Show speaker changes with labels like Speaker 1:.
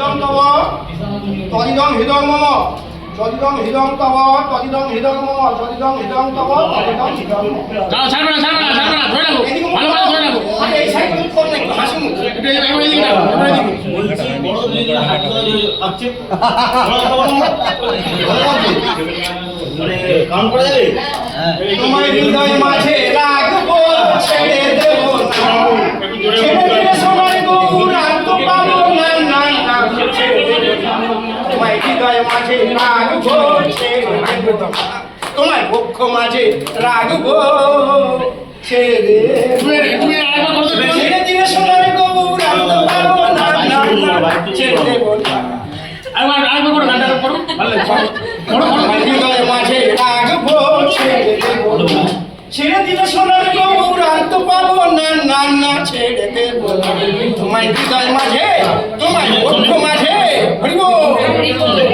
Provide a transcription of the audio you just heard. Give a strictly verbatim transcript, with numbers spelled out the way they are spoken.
Speaker 1: হৃদং তব তদিদং হৃদং মম যদিদং হৃদং তব তদিদং হৃদং মম যদিদং হৃদং তব তদিদং হৃদং মম।
Speaker 2: দাও ছাড়বে না ছাড়বে না ছাড়বে না ধরে রাখো ভালো ভালো ধরে রাখো
Speaker 1: আরে এই সাইড তুমি করো না একটু হাসি মুখ
Speaker 2: একটু এবার এদিকে রাখো এবার এদিকে
Speaker 3: বলছি বড় দুই দিন হাত ধরে আছে বড় বড় মানে কাম করে যাবে
Speaker 1: তোমার হৃদয় মাঝে রাখবো ছেড়ে দেব না ছেড়ে দিলে সোনার গৌরাঙ্গ পাবো না না না ছেড়ে দেব না। তোমার হৃদয় মাঝে রাখবো ছেড়ে দেব না তোমার বক্ষ মাঝে রাখবো ছেড়ে দেব
Speaker 2: তুমি তুমি আরেকবার করতে
Speaker 1: না। ছেড়ে দিলে সোনার গৌরাঙ্গ পাবো না না না ছেড়ে দেব না।
Speaker 2: আরেকবার আরেকবার করো গানটা করো ভালো লাগছে করো করো
Speaker 1: তোমার হৃদয় মাঝে রাখবো ছেড়ে দেব না ছেড়ে দিলে সোনার গৌরাঙ্গ পাবো না না না ছেড়ে দেব না। তোমার হৃদয় মাঝে তোমার বক্ষ মাঝে হরিবো